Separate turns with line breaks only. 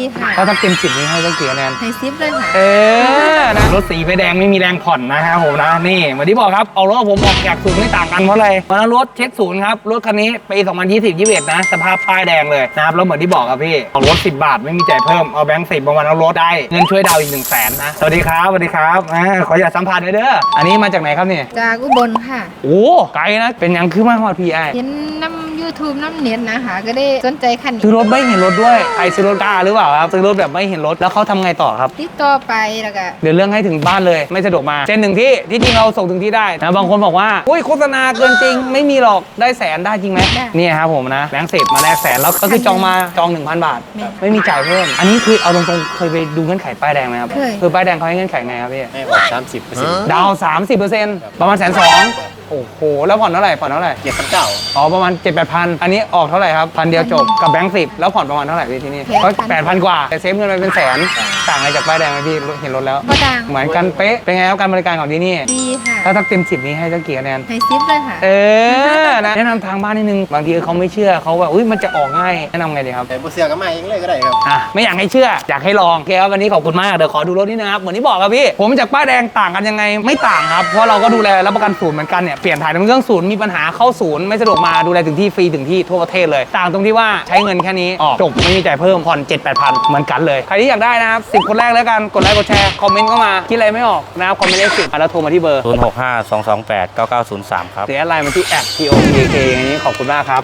ค่ะ
ถ้าเต็ม10นี้ให้ตั้งกี่คะแนน
ให้10เลยค่ะ
นะรถสีไฟแดงไม่มีแรงผ่อนนะครับผมนะนี่เหมือนที่บอกครับเอารถผมออกจากศูนย์ไม่ต่างกันเพราะอะไรวันนั้นรถเช็คศูนย์ครับรถคันนี้ปี2020-21นะสภาพป้ายแดงเลยนะครับแล้วเหมือนที่บอกครับพี่เอารถ10 บาทไม่มีจ่ายเพิ่มเอาแบงค์10มาวันเอารถได้เงินช่วยดาวอีก100,000นะสวัสดีครับสวัสดีครับขออย่าสัมผัสเลยเด้ออันนี้มาจากไหนครับเนี่ย
จากอุบลค่ะ
โอ้ไกลนะเป็นยังคือมาฮอดพี่ไอ
เห็นน้ำ YouTube น้ำเน็ตนะคะก็ได้สนใจคันนี้
ซื้อรถไม่เห็นรถด้วยใครซื้อรถกล้าหรือเปล่าครับซื้อรถแบบไม่เห็นรถแล้วเขาทำไงต่อครับ
ติดต่อไปแล้วก็
เดี๋ยวเรื่องให้ถึงบ้านเลยไม่สะดวกมาเช่นหนึ่งที่จริงเราส่งถึงที่ได้นะบางคนบอกว่าอุ้ยโฆษณาเกินจริงไม่มีหรอกได้แสนได้จริงไหมนี่ครับผมนะแบงค์10มาแลกแสนแล้วก็คือจองมา1,000 บาทไม่มีจ่ายเพิ่มอันนี้คือเอาตรงๆเคยไปดูเงื่อนไขป้ายแดงไหมครับคือป้ายแดงเขาให้เงื่อนไขไงครับพี่
ให้ออก30%
ดาว 30%ประมาณ120,000โอ้โหแล้วผ่อนเท่าไหร่
7,900
อ๋อประมาณ 7-8,000อันนี้ออกเท่าไหร่ครับ1,000 เดียวจบกับแบงค์10แล้วผ่อนประมาณเท่าไหร่พี่ที่นี่ก็8,000 กว่าแต่เซฟเงินไปเป็นแสนต่างอะไรจากป้ายแดงไหมพี่เห็นรถแล้ว
ก็ต่าง
เหมือนกันเป๊ะเป็นไงครับการบริการของที่นี่
ดีค่ะ
ถ้าเต็ม10นี้ให้ตั้งกี่คะแนน
ให้10เลยค่ะ
นะแนะนำทางบ้านนิดนึงบางทีเขาไม่เชื่อเขาแบบอุ้ยมันจะออกง่ายแนะนำไงดีครับ
แต่บุเสียก็มาเองเลยก็ได้ครับ
ไม่อยากให้เชื่ออยากให้ลองโอเคครับวันนี้ขอบคุณมากเดี๋ยวขอดูรถนิดนึงครับเหมือนที่บอกครับพี่ผมจากป้ายแดงต่างกันยังไงไม่ต่างครับเพราะเราก็ดูแลรับประกันศูนย์เหมือนกันเนี่ยเปลี่ยนถ่ายน้ำเครื่องศูนย์มีปัญหาเข้าศูนย์ไม่สะดวกมาดูแลถึงที่ฟรีถึงที่ทั่วประเทศเลยต่างตรงที่ว่าใช้เงินแค่นี้ออกจบไม่มีจ่ายเพิ่มผ่อน 7-8,000เหมือนกันเลยใครที่อยากได้นะครับ10 คนแรกแล้วกันกดไลค์กดแชร์คอมเมนต์เข้ามาคิดอะไรไม่ออกนะครับคอมเมนต์เลข10แล้วโทรมาที่เบอร์
0652289903ครับ
หรืออะไรมาที่แอป TOKK อย่างนี้ขอบคุณมากครับ